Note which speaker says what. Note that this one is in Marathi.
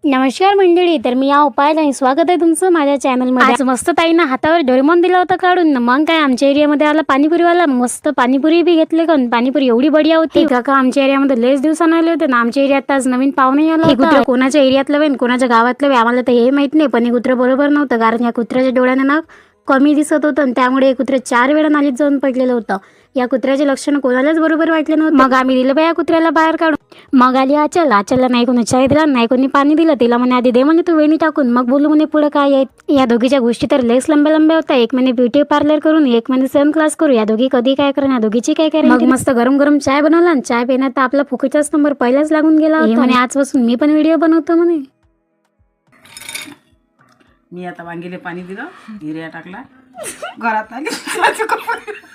Speaker 1: नमस्कार मंडळी, तर मी या उपायाला स्वागत आहे तुमचं माझ्या चॅनलमध्ये। आज मस्त ताईनं हातावर डोरेमॉन दिला होता काढून, मग काय आमच्या एरियामध्ये आला पाणीपुरीवाला, मस्त पाणीपुरी बी घेतले पण पाणीपुरी एवढी बढिया होती। काका आमच्या एरियामध्ये लेस दिवसानं आले होते ना, आमच्या एरियात आज नवीन पाहुणे आला होता। कुत्र कोणाच्या एरियातलं वेन कोणाच्या गावातलं वे आम्हाला तर हे माहित नाही, पण हे कुत्र बरोबर नव्हतं, कारण या कुत्र्याच्या डोळ्याने ना कमी दिसत होतं, त्यामुळे कुत्रे 4 वेळा नालीत जाऊन पडलेलं होतं। या कुत्र्याचे लक्षण कोणालाच बरोबर वाटले नव्हते। मग आम्ही दिलं या कुत्र्याला बाहेर काढून। मग आली आचलला नाही कोणी चाय दिला, नाही कोणी पाणी दिलं, तिला म्हणे आधी दे म्हणे तू वेणी टाकून, मग बोलू म्हणे पुढे काय आहे। या दोघीच्या गोष्टी तर लेस लंब्या होत्या। एक म्हणे ब्युटी पार्लर करून, एक म्हणे सन क्लास करू, या दोघी कधी काय करून, या दोघीची काय करेन। मग मस्त गरम गरम चाय बनवला, आणि चाय पिण्यात तर आपला फुकटचाच नंबर पहिलाच लागून गेला होता। म्हणे आजपासून मी पण व्हिडिओ बनवतो म्हणे।
Speaker 2: मी आता वांगीले पाणी दिलं, हिर्या टाकला, घरात आली